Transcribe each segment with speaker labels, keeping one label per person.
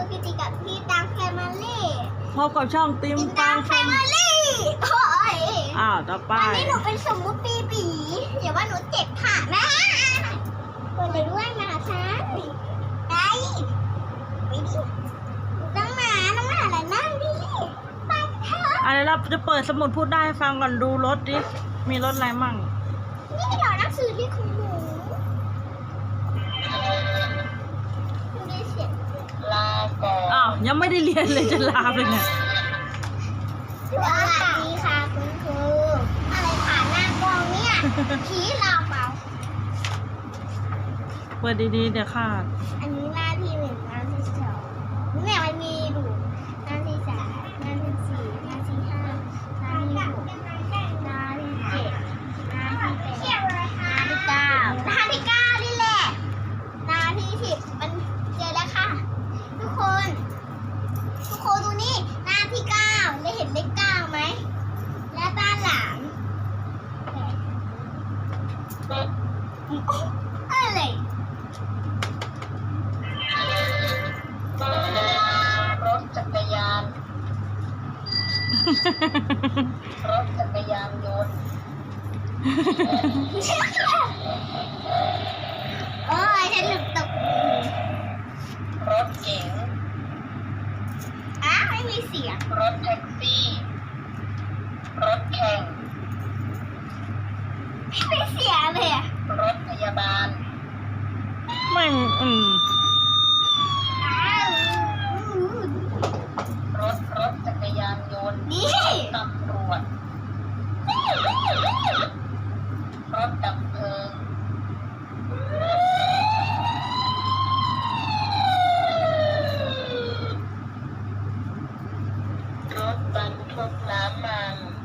Speaker 1: พี่ติกับพี่ตังแฟมิลี่
Speaker 2: พบกับช่องติม
Speaker 1: ติ
Speaker 2: ตั
Speaker 1: ตั
Speaker 2: ง
Speaker 1: งแฟมิลี่โอ้ย
Speaker 2: ต่อไป
Speaker 1: วันนี้หนูเป็นสมมุติปีบีอย่าว่าหนูเจ็บขานะเปิดเลยด้วยมาฉันไปดิต้องมาอะไรนั่งดิไปเถอะ
Speaker 2: อะไรเราจะเปิดสมุดพูดได้ให้ฟังก่อนดูรถดิ มีรถอะไรมั่ง
Speaker 1: นี่เหรอหนังสือที่ของหนูดูดิเสียง
Speaker 3: ลาก่อน
Speaker 2: อ้าว ยังไม่ได้เรียนเลยจะลาไปเนี่ย
Speaker 1: สวัสดีค่ะคุณครูอะไรผ่านหน้ากล้องเนี่ยชี้เราเปล่า
Speaker 2: เปิดดีๆ เดี๋ยวขาด
Speaker 1: อันนี้หน้าที่หนึ่งหน้าที่สองเนี่ยมันมีดูหน้าที่สามหน้าที่สี่หน้าที่ห้าหน้าที่หกหน้าที่เจ็ดหน้าที่แปดหน้าที่เก้าหน้าที่เก้านี่แหละหน้าที่สิบมันเจอแล้วค่ะ ทุกคนดูนี่หน้าที่เก้าได้เห็นเลขเก้าไหมและด้านหลังอะไร
Speaker 3: รถจักรยาน รถจักรยานยนต์
Speaker 1: โอ้ยฉันหลุดตก
Speaker 3: รถเก๋ง
Speaker 1: ไม่มีเสียง
Speaker 3: รถแท็กซี่ รถแข่ง
Speaker 1: ไม่มีเสียงเลยอะ
Speaker 3: รถพยาบาล
Speaker 2: ไม่
Speaker 3: รถจักรยานยนต์
Speaker 1: นี่
Speaker 3: ตำรวจ รถดับเพลิง รถบรรทุกน้ำมัน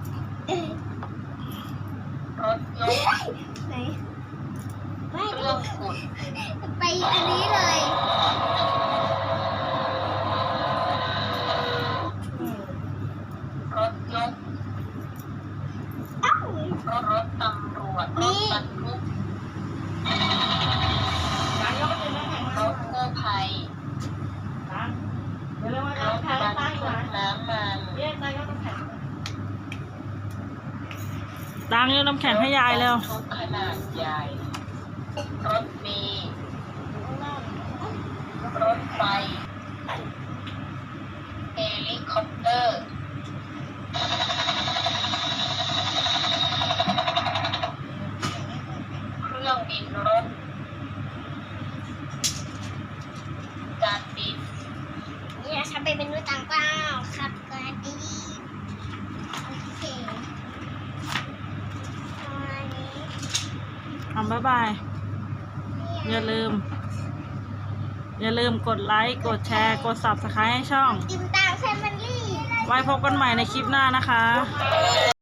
Speaker 3: รถยก
Speaker 1: ไหนไม่
Speaker 3: เครื่องขุด
Speaker 1: ไปอันนี้เลย
Speaker 3: รถยก
Speaker 1: เอ้าร
Speaker 3: ถตำรวจ ร
Speaker 1: นี่
Speaker 3: ถบรรทุก รถกู้ภัย รถบรรทุกน้ำมัน
Speaker 2: ตังค์ยกน้ำแข็งให้ยายเร็ว
Speaker 3: รถบรรทุกขนาดใหญ่ รถเมล์รถไฟ เฮลิคอปเตอร์ เครื่องบินรบ การบิน
Speaker 1: เนี่ยฉันไปเป็นมนุษย์ต่างดาวครับกันดีโอเคอันนี้
Speaker 2: บ๊ายบาย อย่าลืมกดไลค์ กดแชร์ กด Subscribe ให้ช่อง
Speaker 1: ติมตามแฟมิลี่
Speaker 2: ไว้พบกันใหม่ในคลิปหน้านะคะ